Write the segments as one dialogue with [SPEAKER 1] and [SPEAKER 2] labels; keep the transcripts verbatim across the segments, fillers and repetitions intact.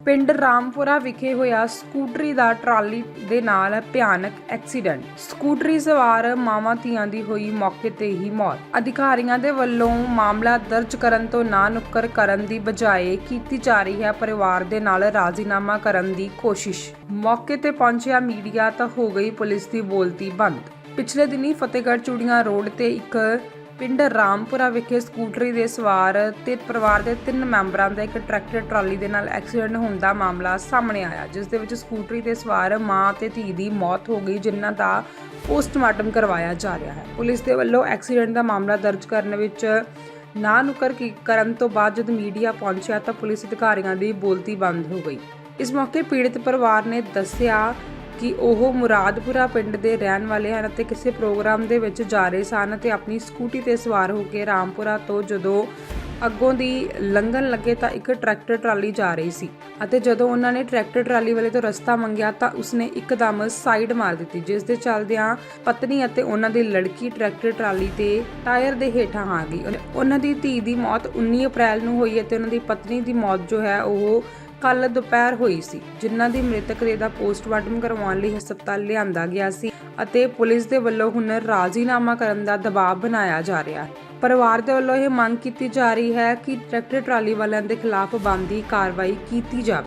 [SPEAKER 1] ਪਿੰਡ ਰਾਮਪੁਰਾ ਵਿਖੇ ਹੋਇਆ ਸਕੂਟਰੀ ਦਾ ਟਰਾਲੀ ਦੇ ਨਾਲ ਭਿਆਨਕ ਐਕਸੀਡੈਂਟ। ਸਕੂਟਰੀ ਸਵਾਰ ਮਾਵਾਂ ਧੀਆਂ ਦੀ ਹੋਈ ਮੌਕੇ ਤੇ ਹੀ ਮੌਤ। ਅਧਿਕਾਰੀਆਂ ਦੇ ਵੱਲੋਂ ਮਾਮਲਾ ਦਰਜ ਕਰਨ ਤੋਂ ਨਾ ਨੁੱਕਰ ਕਰਨ ਦੀ ਬਜਾਏ ਕੀਤੀ ਜਾ ਰਹੀ ਹੈ ਪਰਿਵਾਰ ਦੇ ਨਾਲ ਰਾਜ਼ੀਨਾਮਾ ਕਰਨ ਦੀ ਕੋਸ਼ਿਸ਼। ਮੌਕੇ ਤੇ ਪਹੁੰਚਿਆ ਮੀਡੀਆ ਤਾਂ ਹੋ ਗਈ ਪੁਲਿਸ ਦੀ ਬੋਲਤੀ ਬੰਦ। ਪਿਛਲੇ ਦਿਨੀ ਫਤਿਹਗੜ੍ਹ ਚੂੜੀਆਂ ਰੋਡ ਤੇ ਇੱਕ ਪਿੰਡ ਰਾਮਪੁਰਾ ਵਿਖੇ ਸਕੂਟਰੀ ਦੇ ਸਵਾਰ ਤੇ ਪਰਿਵਾਰ ਦੇ ਤਿੰਨ ਮੈਂਬਰਾਂ ਦਾ ਇੱਕ ਟਰੈਕਟਰ ਟਰਾਲੀ ਦੇ ਨਾਲ ਐਕਸੀਡੈਂਟ ਹੋਣ ਦਾ ਮਾਮਲਾ ਸਾਹਮਣੇ ਆਇਆ, ਜਿਸ ਦੇ ਵਿੱਚ ਸਕੂਟਰੀ ਤੇ ਸਵਾਰ ਮਾਂ ਤੇ ਧੀ ਦੀ ਮੌਤ ਹੋ ਗਈ, ਜਿਨ੍ਹਾਂ ਦਾ ਪੋਸਟਮਾਰਟਮ ਕਰਵਾਇਆ ਜਾ ਰਿਹਾ ਹੈ। ਪੁਲਿਸ ਦੇ ਵੱਲੋਂ ਐਕਸੀਡੈਂਟ ਦਾ ਮਾਮਲਾ ਦਰਜ ਕਰਨ ਵਿੱਚ ਨਾ ਨੁੱਕਰ ਕਰਨ ਤੋਂ ਬਾਅਦ ਜਦ ਮੀਡੀਆ ਪਹੁੰਚਿਆ ਤਾਂ ਪੁਲਿਸ ਅਧਿਕਾਰੀਆਂ ਦੀ ਬੋਲਤੀ ਬੰਦ ਹੋ ਗਈ। ਇਸ ਮੌਕੇ ਪੀੜਤ ਪਰਿਵਾਰ ਨੇ ਦੱਸਿਆ ਕਿ ਉਹ ਮੁਰਾਦਪੁਰਾ ਪਿੰਡ ਦੇ ਰਹਿਣ ਵਾਲੇ ਹਨ ਅਤੇ ਕਿਸੇ ਪ੍ਰੋਗਰਾਮ ਦੇ ਵਿੱਚ ਜਾ ਰਹੇ ਸਨ ਅਤੇ ਆਪਣੀ ਸਕੂਟੀ ਤੇ ਸਵਾਰ ਹੋ ਕੇ ਰਾਮਪੁਰਾ ਤੋਂ ਜਦੋਂ ਅੱਗੋਂ ਦੀ ਲੰਘਣ ਲੱਗੇ ਤਾਂ ਇੱਕ ਟਰੈਕਟਰ ਟਰਾਲੀ ਜਾ ਰਹੀ ਸੀ ਅਤੇ ਜਦੋਂ ਉਹਨਾਂ ਨੇ ਟਰੈਕਟਰ ਟਰਾਲੀ ਵਾਲੇ ਤੋਂ ਰਸਤਾ ਮੰਗਿਆ ਤਾਂ ਉਸਨੇ ਇੱਕਦਮ ਸਾਈਡ ਮਾਰ ਦਿੱਤੀ, ਜਿਸ ਦੇ ਚੱਲਦਿਆਂ ਪਤਨੀ ਅਤੇ ਉਹਨਾਂ ਦੀ ਲੜਕੀ ਟਰੈਕਟਰ ਟਰਾਲੀ ਦੇ ਟਾਇਰ ਦੇ ਹੇਠਾਂ ਆ ਗਈ। ਉਹਨਾਂ ਦੀ ਧੀ ਦੀ ਮੌਤ ਉੱਨੀ ਅਪ੍ਰੈਲ ਨੂੰ ਹੋਈ ਅਤੇ ਉਹਨਾਂ ਦੀ ਪਤਨੀ ਦੀ ਮੌਤ ਜੋ ਹੈ ਉਹ ਕੱਲ ਦੁਪਹਿਰ ਹੋਈ ਸੀ, ਜਿਨ੍ਹਾਂ ਦੀ ਮ੍ਰਿਤਕ ਦੇਹ ਦਾ ਪੋਸਟਮਾਰਟਮ ਕਰਵਾਉਣ ਲਈ ਹਸਪਤਾਲ ਲਿਆਂਦਾ ਗਿਆ ਸੀ ਅਤੇ ਪੁਲਿਸ ਦੇ ਵੱਲੋਂ ਹੁਣ ਰਾਜ਼ੀਨਾਮਾ ਕਰਨ ਦਾ ਦਬਾਅ ਬਣਾਇਆ ਜਾ ਰਿਹਾ ਹੈ। ਪਰਿਵਾਰ ਦੇ ਵੱਲੋਂ ਇਹ ਮੰਗ ਕੀਤੀ ਜਾ ਰਹੀ ਹੈ ਕਿ ਟਰੈਕਟਰ ਟਰਾਲੀ ਵਾਲਿਆਂ ਦੇ ਖਿਲਾਫ ਬਣਦੀ ਕਾਰਵਾਈ ਕੀਤੀ ਜਾਵੇ।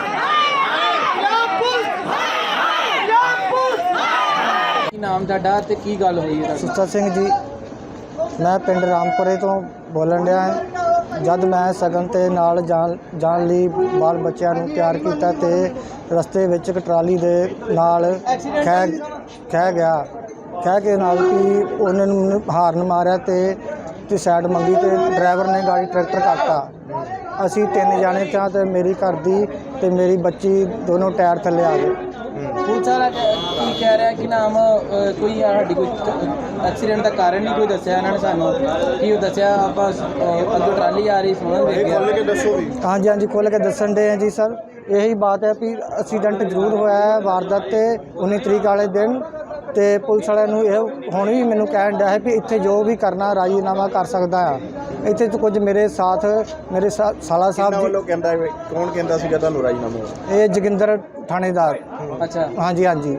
[SPEAKER 2] ਕੀ ਨਾਮ ਤੁਹਾਡਾ ਤੇ ਕੀ ਗੱਲ ਹੋਈ ਹੈ?
[SPEAKER 3] ਸੁੱਚਾ ਸਿੰਘ ਜੀ, ਮੈਂ ਪਿੰਡ ਰਾਮਪੁਰੇ ਤੋਂ ਬੋਲਣ ਡਿਆ ਹਾਂ। ਜਦ ਮੈਂ ਸਗਨ ਤੇ ਨਾਲ ਜਾਣ ਜਾਣ ਲਈ ਬਾਲ ਬੱਚਿਆਂ ਨੂੰ ਤਿਆਰ ਕੀਤਾ ਤੇ ਰਸਤੇ ਵਿੱਚ ਇੱਕ ਟਰਾਲੀ ਦੇ ਨਾਲ ਖਹਿ ਖਹਿ ਗਿਆ ਖਹਿ ਕੇ ਨਾਲ ਕਿ ਉਹਨਾਂ ਨੂੰ ਹਾਰਨ ਮਾਰਿਆ ਤੇ ਤੇ ਸਾਈਡ ਮੰਗੀ ਤੇ ਡਰਾਈਵਰ ਨੇ ਗਾੜੀ ਟਰੈਕਟਰ ਕੱਟਤਾ। ਅਸੀਂ ਤਿੰਨ ਜਾਣੇ ਤਾਂ ਤੇ ਮੇਰੀ ਘਰ ਦੀ ਤੇ ਮੇਰੀ ਬੱਚੀ ਦੋਨੋਂ ਟਾਇਰ ਥੱਲੇ ਆ ਗਏ।
[SPEAKER 2] ਪੁਲਿਸ ਵਾਲਾ ਕੀ ਕਹਿ ਰਿਹਾ ਕਿ ਨਾਮ ਕੋਈ ਸਾਡੀ ਕੋਈ ਐਕਸੀਡੈਂਟ ਦਾ ਕਾਰਨ ਨਹੀਂ ਕੋਈ ਦੱਸਿਆ ਇਹਨਾਂ ਨੇ ਸਾਨੂੰ? ਕੀ ਉਹ ਦੱਸਿਆ ਆਪਾਂ ਅੱਗੋਂ ਟਰਾਲੀ ਆ ਰਹੀ ਸੁਣਨ ਵੇਖ ਗਿਆ?
[SPEAKER 3] ਹਾਂਜੀ ਹਾਂਜੀ ਖੁੱਲ੍ਹ ਕੇ ਦੱਸਣ ਦੇ ਆ ਜੀ ਸਰ। ਇਹੀ ਬਾਤ ਹੈ ਵੀ ਐਕਸੀਡੈਂਟ ਜ਼ਰੂਰ ਹੋਇਆ ਹੈ ਵਾਰਦਾਤ ਤੇ ਉੱਨੀ ਤਰੀਕ ਵਾਲੇ ਦਿਨ, ਤੇ ਪੁਲਿਸ ਵਾਲਿਆਂ ਨੂੰ ਇਹ ਹੁਣ ਵੀ ਮੈਨੂੰ ਕਹਿਣ ਡਿਆ ਹੈ ਵੀ ਇੱਥੇ ਜੋ ਵੀ ਕਰਨਾ ਰਾਜ਼ੀਨਾਮਾ ਕਰ ਸਕਦਾ ਆ। ਇੱਥੇ ਤੋਂ ਕੁਝ ਮੇਰੇ ਸਾਥ ਮੇਰੇ ਸਾਲਾ ਸਾਹਿਬ ਜੀ
[SPEAKER 4] ਵੱਲੋਂ ਕਹਿੰਦਾ ਕੌਣ ਕਹਿੰਦਾ ਸੀਗਾ ਤੁਹਾਨੂੰ ਰਾਜ਼ੀਨਾਮਾ?
[SPEAKER 3] ਇਹ ਜੋਗਿੰਦਰ ਥਾਣੇਦਾਰ।
[SPEAKER 2] ਅੱਛਾ,
[SPEAKER 3] ਹਾਂਜੀ ਹਾਂਜੀ।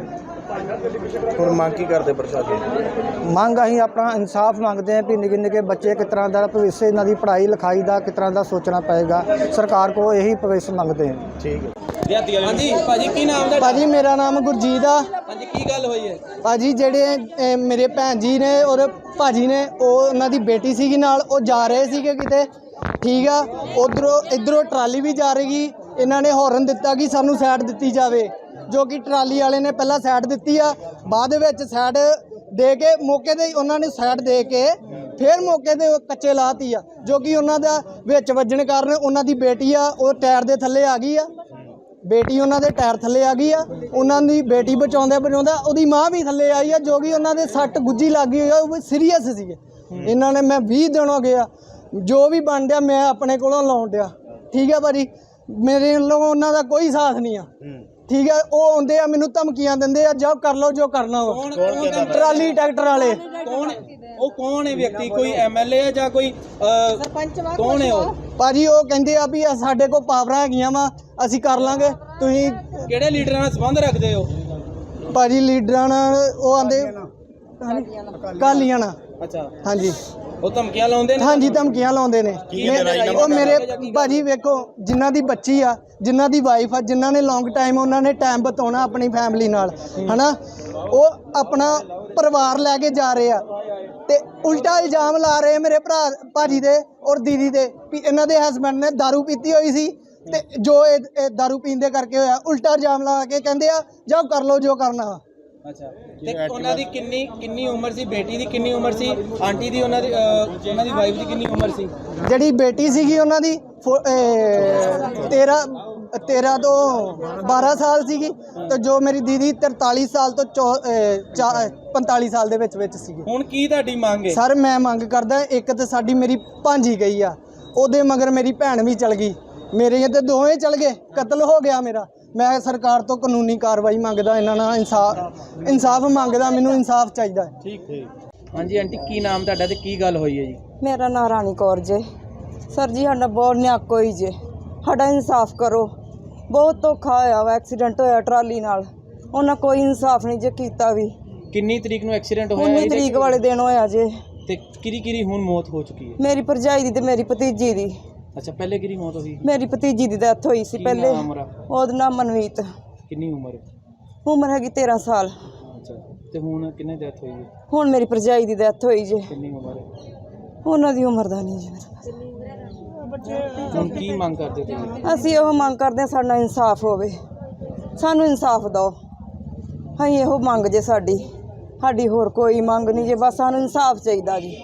[SPEAKER 4] ਹੁਣ ਮੰਗ ਕੀ ਕਰਦੇ ਪ੍ਰਸ਼ਾਸਨ?
[SPEAKER 3] ਮੰਗ ਅਸੀਂ ਆਪਣਾ ਇਨਸਾਫ ਮੰਗਦੇ ਹਾਂ ਵੀ ਨਿੱਕੇ ਨਿੱਕੇ ਬੱਚੇ ਕਿਸ ਤਰ੍ਹਾਂ ਦਾ ਭਵਿੱਖ ਇਹਨਾਂ ਦੀ ਪੜ੍ਹਾਈ ਲਿਖਾਈ ਦਾ ਕਿਸ ਤਰ੍ਹਾਂ ਦਾ ਸੋਚਣਾ ਪਏਗਾ। ਸਰਕਾਰ ਕੋਲ ਇਹੀ ਭਵਿੱਖ ਮੰਗਦੇ ਹਾਂ।
[SPEAKER 4] ਠੀਕ ਹੈ।
[SPEAKER 2] ਹਾਂਜੀ ਭਾਜੀ, ਕੀ ਨਾਮ ਦਾ?
[SPEAKER 3] ਭਾਜੀ ਮੇਰਾ ਨਾਮ ਗੁਰਜੀਤ ਆ।
[SPEAKER 2] ਹਾਂਜੀ, ਕੀ ਗੱਲ ਹੋਈ ਹੈ?
[SPEAKER 3] ਭਾਜੀ ਜਿਹੜੇ ਅ, ਮੇਰੇ ਭੈਣ ਜੀ ਨੇ ਔਰ ਭਾਜੀ ਨੇ, ਉਹ ਉਹਨਾਂ ਦੀ ਬੇਟੀ ਸੀਗੀ ਨਾਲ, ਉਹ ਜਾ ਰਹੇ ਸੀਗੇ ਕਿਤੇ, ਠੀਕ ਆ। ਉਧਰੋਂ ਇੱਧਰੋਂ ਟਰਾਲੀ ਵੀ ਜਾ ਰਹੀ, ਇਹਨਾਂ ਨੇ ਹੌਰਨ ਦਿੱਤਾ ਕਿ ਸਾਨੂੰ ਸਾਈਡ ਦਿੱਤੀ ਜਾਵੇ, ਜੋ ਕਿ ਟਰਾਲੀ ਵਾਲੇ ਨੇ ਪਹਿਲਾਂ ਸਾਈਡ ਦਿੱਤੀ ਆ, ਬਾਅਦ ਵਿੱਚ ਸਾਈਡ ਦੇ ਕੇ ਮੌਕੇ 'ਤੇ ਉਹਨਾਂ ਨੇ ਸਾਈਡ ਦੇ ਕੇ ਫਿਰ ਮੌਕੇ 'ਤੇ ਕੱਚੇ ਲਾਤੀ ਆ, ਜੋ ਕਿ ਉਹਨਾਂ ਦਾ ਵਿੱਚ ਵੱਜਣ ਕਾਰਨ ਉਹਨਾਂ ਦੀ ਬੇਟੀ ਆ ਉਹ ਟਾਇਰ ਦੇ ਥੱਲੇ ਆ ਗਈ ਆ। ਬੇਟੀ ਉਹਨਾਂ ਦੇ ਟਾਇਰ ਥੱਲੇ ਆ ਗਈ ਆ। ਉਹਨਾਂ ਦੀ ਬੇਟੀ ਬਚਾਉਂਦੇ ਬਚਾਉਂਦਾ ਉਹਦੀ ਮਾਂ ਵੀ ਥੱਲੇ ਆਈ ਆ, ਜੋ ਕਿ ਉਹਨਾਂ ਦੇ ਸੱਟ ਗੁੱਜੀ ਲੱਗ ਗਈ ਆ, ਉਹ ਸੀਰੀਅਸ ਸੀਗੇ। ਇਹਨਾਂ ਨੇ ਮੈਂ ਵੀਹ ਦਿਨ ਹੋ ਗਿਆ ਜੋ ਵੀ ਬਣ ਡਿਆ ਮੈਂ ਆਪਣੇ ਕੋਲੋਂ ਲਾਉਣ ਡਿਆ, ਠੀਕ ਹੈ ਭਾਜੀ। ਮੇਰੇ ਵੱਲੋਂ ਉਹਨਾਂ ਦਾ ਕੋਈ ਸਾਥ ਨਹੀਂ ਆ, ਠੀਕ ਹੈ। ਉਹ ਆਉਂਦੇ ਆ ਮੈਨੂੰ ਧਮਕੀਆਂ ਦਿੰਦੇ ਆ, ਜੋ ਕਰ ਲਓ ਜੋ ਕਰਨਾ ਵਾ। ਟਰਾਲੀ ਟਰੈਕਟਰ ਵਾਲੇ
[SPEAKER 2] ਕੌਣ? ਉਹ ਕੌਣ ਹੈ ਵਿਅਕਤੀ? ਕੋਈ ਐਮਐਲਏ ਹੈ ਜਾਂ ਕੋਈ ਸਰਪੰਚ? ਕੌਣ ਹੈ ਉਹ
[SPEAKER 3] ਭਾਜੀ? ਉਹ ਕਹਿੰਦੇ ਆ ਵੀ ਸਾਡੇ ਕੋਲ ਪਾਵਰਾਂ ਹੈਗੀਆਂ ਵਾ, ਅਸੀਂ ਕਰ ਲਾਂਗੇ। ਤੁਸੀਂ
[SPEAKER 2] ਕਿਹੜੇ ਲੀਡਰਾਂ ਨਾਲ ਸੰਬੰਧ ਰੱਖਦੇ ਹੋ?
[SPEAKER 3] ਭਾਜੀ ਲੀਡਰਾਂ ਨਾਲ ਉਹ ਆਂਦੇ ਕਾਲੀਆਂ ਨਾਲ।
[SPEAKER 2] ਅੱਛਾ,
[SPEAKER 3] ਹਾਂਜੀ।
[SPEAKER 2] ਉਹ ਧਮਕੀਆਂ ਲਾਉਂਦੇ ਨੇ?
[SPEAKER 3] ਹਾਂਜੀ ਧਮਕੀਆਂ ਲਾਉਂਦੇ ਨੇ। ਉਹ ਮੇਰੇ ਭਾਜੀ ਵੇਖੋ, ਜਿਨ੍ਹਾਂ ਦੀ ਬੱਚੀ ਆ, ਜਿਨ੍ਹਾਂ ਦੀ ਵਾਈਫ ਆ, ਜਿਨ੍ਹਾਂ ਨੇ ਲੌਂਗ ਟਾਈਮ ਉਹਨਾਂ ਨੇ ਟਾਈਮ ਬਿਤਾਉਣਾ ਆਪਣੀ ਫੈਮਿਲੀ ਨਾਲ, ਹਨਾ, ਉਹ ਆਪਣਾ ਪਰਿਵਾਰ ਲੈ ਕੇ ਜਾ ਰਹੇ ਆ ਤੇ ਉਲਟਾ ਇਲਜ਼ਾਮ ਲਾ ਰਹੇ ਮੇਰੇ ਭਰਾ ਭਾਜੀ ਦੇ ਔਰ ਦੀਦੀ ਦੇ ਵੀ ਇਹਨਾਂ ਦੇ ਹਸਬੈਂਡ ਨੇ ਦਾਰੂ ਪੀਤੀ ਹੋਈ ਸੀ ਤੇ ਜੋ ਇਹ ਦਾਰੂ ਪੀਣ ਦੇ ਕਰਕੇ ਹੋਇਆ। ਉਲਟਾ ਇਲਜ਼ਾਮ ਲਾ ਕੇ ਕਹਿੰਦੇ ਆ ਜਾਓ ਕਰ ਲਓ ਜੋ ਕਰਨਾ।
[SPEAKER 2] ਅੱਛਾ, ਤੇ ਉਹਨਾਂ ਦੀ ਕਿੰਨੀ ਕਿੰਨੀ ਉਮਰ ਸੀ? ਬੇਟੀ ਦੀ ਕਿੰਨੀ ਉਮਰ ਸੀ? ਆਂਟੀ ਦੀ, ਉਹਨਾਂ ਦੀ ਉਹਨਾਂ ਦੀ ਵਾਈਫ ਦੀ ਕਿੰਨੀ ਉਮਰ ਸੀ?
[SPEAKER 3] ਜਿਹੜੀ ਬੇਟੀ ਸੀਗੀ ਉਹਨਾਂ ਦੀ ਤੇਰਾਂ ਤੇਰਾਂ ਤੋਂ ਬਾਰਾਂ ਸਾਲ ਸੀਗੀ ਤੇ ਜੋ ਮੇਰੀ ਦੀਦੀ ਤਰਤਾਲੀ ਸਾਲ ਤੋਂ ਪੰਤਾਲੀ ਸਾਲ ਦੇ ਵਿੱਚ ਵਿੱਚ ਸੀਗੀ।
[SPEAKER 2] ਹੁਣ ਕੀ ਤੁਹਾਡੀ ਮੰਗ ਹੈ?
[SPEAKER 3] ਸਰ ਮੈਂ ਮੰਗ ਕਰਦਾ, ਇੱਕ ਤਾਂ ਸਾਡੀ ਮੇਰੀ ਭਾਂਜੀ ਗਈ ਆ, ਉਹਦੇ ਮਗਰ ਮੇਰੀ ਭੈਣ ਵੀ ਚਲ ਗਈ, ਮੇਰੇ ਤੇ ਦੋਵੇਂ ਚਲ ਗਏ, ਕਤਲ ਹੋ ਗਿਆ ਮੇਰਾ। ਮੈਂ ਸਰਕਾਰ ਤੋਂ ਕਾਨੂੰਨੀ ਕਾਰਵਾਈ ਮੰਗਦਾ, ਇਹਨਾਂ ਨਾਲ ਇਨਸਾਫ ਇਨਸਾਫ ਮੰਗਦਾ, ਮੈਨੂੰ ਇਨਸਾਫ ਚਾਹੀਦਾ।
[SPEAKER 2] ਠੀਕ ਠੀਕ। ਹਾਂਜੀ ਆਂਟੀ, ਕੀ ਨਾਮ ਤੁਹਾਡਾ ਤੇ ਕੀ ਗੱਲ ਹੋਈ ਹੈ ਜੀ?
[SPEAKER 5] ਮੇਰਾ ਨਾਂ ਰਾਣੀ ਕੌਰ ਜੇ। ਸਰ ਜੀ ਸਾਡਾ ਬਹੁਤ ਨਿਆਕੋ ਹੀ ਜੇ, ਸਾਡਾ ਇਨਸਾਫ ਕਰੋ। ਬਹੁਤ ਧੋਖਾ ਹੋਇਆ ਵਾ, ਐਕਸੀਡੈਂਟ ਹੋਇਆ ਟਰਾਲੀ ਨਾਲ, ਉਹਨਾਂ ਕੋਈ ਇਨਸਾਫ ਨਹੀਂ ਜੇ ਕੀਤਾ ਵੀ।
[SPEAKER 2] ਕਿੰਨੀ ਤਰੀਕ ਨੂੰ ਐਕਸੀਡੈਂਟ ਹੋਇਆ
[SPEAKER 5] ਉੱਨੀ
[SPEAKER 2] ਇਹਦੇ?
[SPEAKER 5] ਤਰੀਕ ਵਾਲੇ ਦਿਨ ਹੋਇਆ ਜੇ।
[SPEAKER 2] ਤੇ ਕਿਰੀ ਕਿਰੀ ਹੁਣ ਮੌਤ ਹੋ ਚੁੱਕੀ ਹੈ?
[SPEAKER 5] ਮੇਰੀ ਭਰਜਾਈ ਦੀ ਤੇ ਮੇਰੀ ਭਤੀਜੀ ਦੀ।
[SPEAKER 2] ਅੱਛਾ, ਪਹਿਲੇ ਕਿਰੀ ਮੌਤ ਹੋਈ?
[SPEAKER 5] ਮੇਰੀ ਭਤੀਜੀ ਦੀ ਡੈਥ ਹੋਈ ਸੀ
[SPEAKER 2] ਕੀ
[SPEAKER 5] ਪਹਿਲੇ।
[SPEAKER 2] ਨਾਮ ਉਹਦਾ?
[SPEAKER 5] ਉਹਦਾ ਨਾਮ ਮਨਵੀਤ।
[SPEAKER 2] ਕਿੰਨੀ ਉਮਰ?
[SPEAKER 5] ਉਮਰ ਹੈਗੀ ਤੇਰਾਂ ਸਾਲ।
[SPEAKER 2] ਅੱਛਾ, ਤੇ ਹੁਣ ਕਿੰਨੇ ਡੈਥ ਹੋਈ ਹੈ?
[SPEAKER 5] ਹੁਣ ਮੇਰੀ ਭਰਜਾਈ ਦੀ ਡੈਥ ਹੋਈ ਜੇ।
[SPEAKER 2] ਕਿੰਨੀ ਉਮਰ ਹੈ?
[SPEAKER 5] ਉਹਨਾਂ ਦੀ ਉਮਰ ਦਾ ਨਹੀਂ ਜੀ।
[SPEAKER 2] ਹੁਣ ਕੀ ਮੰਗ ਕਰਦੇ ਤੁਸੀਂ?
[SPEAKER 5] ਅਸੀਂ ਇਹੋ ਮੰਗ ਕਰਦੇ ਹਾਂ ਸਾਡਾ ਇਨਸਾਫ ਹੋਵੇ, ਸਾਨੂੰ ਇਨਸਾਫ ਦਿਓ। ਅਸੀਂ ਇਹੋ ਮੰਗ ਜੇ ਸਾਡੀ, ਸਾਡੀ ਹੋਰ ਕੋਈ ਮੰਗ ਨਹੀਂ ਜੇ, ਬਸ ਸਾਨੂੰ ਇਨਸਾਫ ਚਾਹੀਦਾ ਜੀ।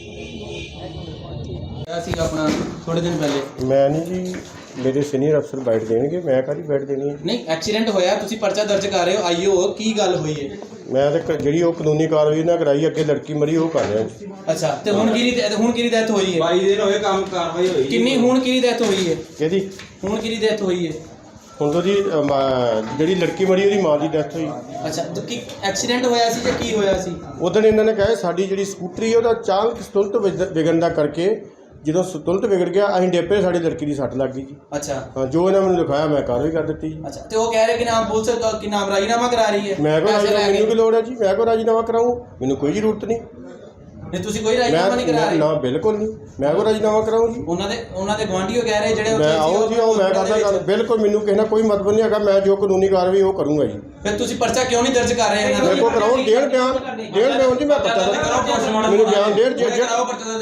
[SPEAKER 2] ਅਸੀਂ ਆਪਣਾ ਥੋੜੇ ਦਿਨ ਪਹਿਲੇ
[SPEAKER 6] ਮੈਂ ਨਹੀਂ ਜੀ, ਮੇਰੇ ਸੀਨੀਅਰ ਅਫਸਰ ਬੈਠ ਦੇਣਗੇ, ਮੈਂ ਕਾਹਦੀ ਬੈਠ ਦੇਣੀ ਹੈ?
[SPEAKER 2] ਨਹੀਂ, ਐਕਸੀਡੈਂਟ ਹੋਇਆ, ਤੁਸੀਂ ਪਰਚਾ ਦਰਜ ਕਰ ਰਹੇ ਹੋ, ਆਈਓ ਕੀ ਗੱਲ ਹੋਈ ਹੈ?
[SPEAKER 6] ਮੈਂ ਤਾਂ ਕ- ਜਿਹੜੀ ਉਹ ਕਾਨੂੰਨੀ ਕਾਰਵਾਈ ਨਾ ਕਰਾਈ, ਅੱਗੇ ਲੜਕੀ ਮਰੀ ਉਹ ਕਰ ਰਿਹਾ ਜੀ।
[SPEAKER 2] ਅੱਛਾ, ਤੇ ਹੁਣ ਕਿਹਦੀ ਡੈ- ਹੁਣ ਕਿਹਦੀ ਡੈਥ ਹੋਈ ਹੈ?
[SPEAKER 4] ਬਾਈ ਦਿਨ ਹੋਏ ਕੰਮ ਕਾਰਵਾਈ ਹੋਈ
[SPEAKER 2] ਕਿੰਨੀ ਹੁਣ ਕਿਹਦੀ ਡੈਥ ਹੋਈ ਹੈ?
[SPEAKER 6] ਕਿਹਦੀ?
[SPEAKER 2] ਹੁਣ ਕਿਹਦੀ ਡੈਥ ਹੋਈ ਹੈ?
[SPEAKER 6] ਹੁਣ ਤੋਂ ਜੀ ਅਮ, ਜਿਹੜੀ ਲੜਕੀ ਮਰੀ ਉਹਦੀ ਮਾਂ ਦੀ ਡੈਥ ਹੋਈ।
[SPEAKER 2] ਅੱਛਾ, ਤੇ ਕੀ ਐਕਸੀਡੈਂਟ ਹੋਇਆ ਸੀ ਜਾਂ ਕੀ ਹੋਇਆ ਸੀ?
[SPEAKER 6] ਉਦੋਂ ਇਹਨਾਂ ਨੇ ਕਿਹਾ ਸਾਡੀ ਜਿਹੜੀ ਸਕੂਟਰੀ ਹੈ ਉਹਦਾ ਅਚਾਨਕ ਸਤੁਲਤ ਵਿਗ- ਵਿਗੜਨ ਦਾ ਕਰਕੇ, ਜਦੋਂ ਸਤੁਲਤ ਵਿਗੜ ਗਿਆ ਅਸੀਂ ਡੇਪੇ, ਸਾਡੀ ਲੜਕੀ ਦੀ ਸੱਟ ਲੱਗ ਗਈ ਜੀ।
[SPEAKER 2] ਅੱਛਾ
[SPEAKER 6] ਹਾਂ, ਜੋ ਇਹਨਾਂ ਮੈਨੂੰ ਲਿਖਾਇਆ ਮੈਂ ਕਾਰਵਾਈ ਕਰ ਦਿੱਤੀ ਜੀ।
[SPEAKER 2] ਅੱਛਾ, ਤੇ ਉਹ ਕਹਿ ਰਹੇ ਕਿ ਨਾਮ ਪੁਲਿਸ ਕ- ਕਿ ਨਾਮ ਰਾਜੀਨਾਮਾ ਕਰਾ ਰਹੀ ਹੈ?
[SPEAKER 6] ਮੈਂ ਕੋ
[SPEAKER 2] ਪੈਸੇ ਲੈ
[SPEAKER 6] ਮੈਨੂੰ
[SPEAKER 2] ਕੇ।
[SPEAKER 6] ਕੀ ਲੋੜ ਹੈ ਜੀ? ਮੈਂ ਕੋ ਰਾਜੀਨਾਮਾ ਕਰਾਊਂ? ਮੈਨੂੰ ਕੋਈ ਜ਼ਰੂਰਤ ਨਹੀਂ।
[SPEAKER 2] ਨਹੀਂ, ਤੁਸੀਂ ਕੋਈ ਰਾਜੀਨਾਮਾ ਨਹੀਂ ਕਰਾ
[SPEAKER 6] ਮੈਂ
[SPEAKER 2] ਰਹੇ?
[SPEAKER 6] ਨਾ, ਬਿਲਕੁਲ ਨਹੀਂ, ਮੈਂ ਕੋ ਰਾਜੀਨਾਮਾ ਕਰਾਊਂ ਜੀ?
[SPEAKER 2] ਉਹਨਾਂ ਦੇ ਉਹਨਾਂ ਦੇ ਗੁਆਂਢੀਓ ਕਹਿ ਰਹੇ ਜਿਹੜੇ ਉੱਥੇ
[SPEAKER 6] ਮੈਂ
[SPEAKER 2] ਸੀ,
[SPEAKER 6] ਆਓ ਜੀ, ਆਓ, ਮੈਂ ਕਰਦਾ ਗੱਲ, ਬਿਲਕੁਲ ਮੈਨੂੰ ਕਿਸੇ ਨਾਲ ਕੋਈ ਮਤਲਬ ਨਹੀਂ ਹੈਗਾ। ਮੈਂ ਜੋ ਕਾਨੂੰਨੀ ਕਾਰਵਾਈ ਉਹ ਕਰੂੰਗਾ ਜੀ।
[SPEAKER 2] ਫਿਰ ਤੁਸੀਂ ਪਰਚਾ ਕਿਉਂ ਨਹੀਂ ਦਰਜ ਕਰ ਰਹੇ ਇਹਨਾਂ
[SPEAKER 6] ਮੇਰੇ
[SPEAKER 2] ਦਾ?
[SPEAKER 6] ਕੋਲ ਕਰਾਓ, ਡੇਢ ਬਿਆਨ ਡੇਢ ਬਿਆਨ ਜੀ, ਮੈਂ ਪਤਾ ਮੈਨੂੰ ਬਿਆਨ ਡੇਢ ਜੇ- ਜੇ-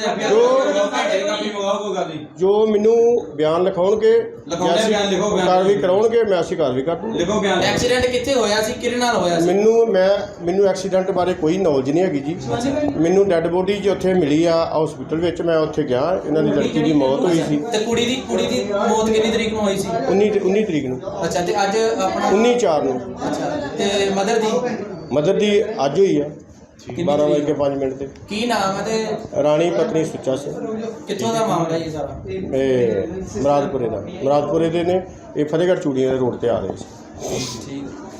[SPEAKER 6] ਜੋ ਮੈਨੂੰ ਬਿਆਨ ਲਿਖਾਉਣਗੇ,
[SPEAKER 2] ਲਿਖਾਉਂਦੇ ਬਿਆਨ ਲਿਖੋ, ਬਿਆਨ
[SPEAKER 6] ਕਾਰਵਾਈ ਕਰਾਉਣਗੇ, ਮੈਂ ਅਸੀਂ ਕਾਰਵਾਈ ਕਰ ਦੂੰਗਾ।
[SPEAKER 2] ਲਿਖੋ ਬਿਆਨ। ਐਕਸੀਡੈਂਟ ਕਿੱਥੇ ਹੋਇਆ ਸੀ, ਕਿਹਦੇ ਨਾਲ ਹੋਇਆ ਸੀ?
[SPEAKER 6] ਮੈਨੂੰ ਮੈਂ ਮੈਨੂੰ ਐਕਸੀਡੈਂਟ ਬਾਰੇ ਕੋਈ ਨੌਲੇਜ ਨਹੀਂ ਹੈਗੀ ਜੀ। ਮੈਨੂੰ ਡੈੱਡ ਬੋਡੀ ਜੀ ਉੱਥੇ ਮਿਲੀ ਆ ਹਸਪੀਟਲ ਵਿੱਚ, ਮੈਂ ਉੱਥੇ ਗਿਆ, ਇਹਨਾਂ ਦੀ ਲੜਕੀ ਦੀ ਮੌਤ ਹੋਈ ਸੀ
[SPEAKER 2] ਤੇ ਕੁੜੀ ਦੀ ਕੁੜੀ ਦੀ ਮੌਤ ਕਿੰਨੀ ਤਰੀਕ ਨੂੰ ਹੋਈ ਸੀ?
[SPEAKER 6] ਉੱਨੀ ਉੱਨੀ ਤਰੀਕ ਨੂੰ,
[SPEAKER 2] ਅੱਛਾ, ਤੇ ਅੱਜ ਆਪਣਾ
[SPEAKER 6] ਉੱਨੀ ਚਾਰ ਨੂੰ।
[SPEAKER 2] ਅੱਛਾ, ਤੇ ਮਦਰ ਦੀ
[SPEAKER 6] ਮਦਰ ਦੀ ਅੱਜ ਹੋਈ ਆ ਬਾਰਾਂ ਵਜੇ ਕੇ ਪੰਜ ਮਿੰਟ ਤੇ।
[SPEAKER 2] ਕੀ ਨਾਮ ਹੈ ਤੇ
[SPEAKER 6] ਰਾਣੀ ਪਤਨੀ ਸੁੱਚਾ ਸਿੰਘ,
[SPEAKER 2] ਕਿੱਥੋਂ ਦਾ ਮਾਮਲਾ ਇਹ ਸਾਰਾ?
[SPEAKER 6] ਇਹ ਮੁਰਾਦਪੁਰੇ ਦਾ ਮੁਰਾਦਪੁਰੇ ਦੇ ਨੇ, ਇਹ ਫਤਿਹਗੜ੍ਹ ਚੂੜੀਆਂ ਦੇ ਰੋਡ ਤੇ ਆ ਰਹੇ ਸੀ।
[SPEAKER 2] ਠੀਕ।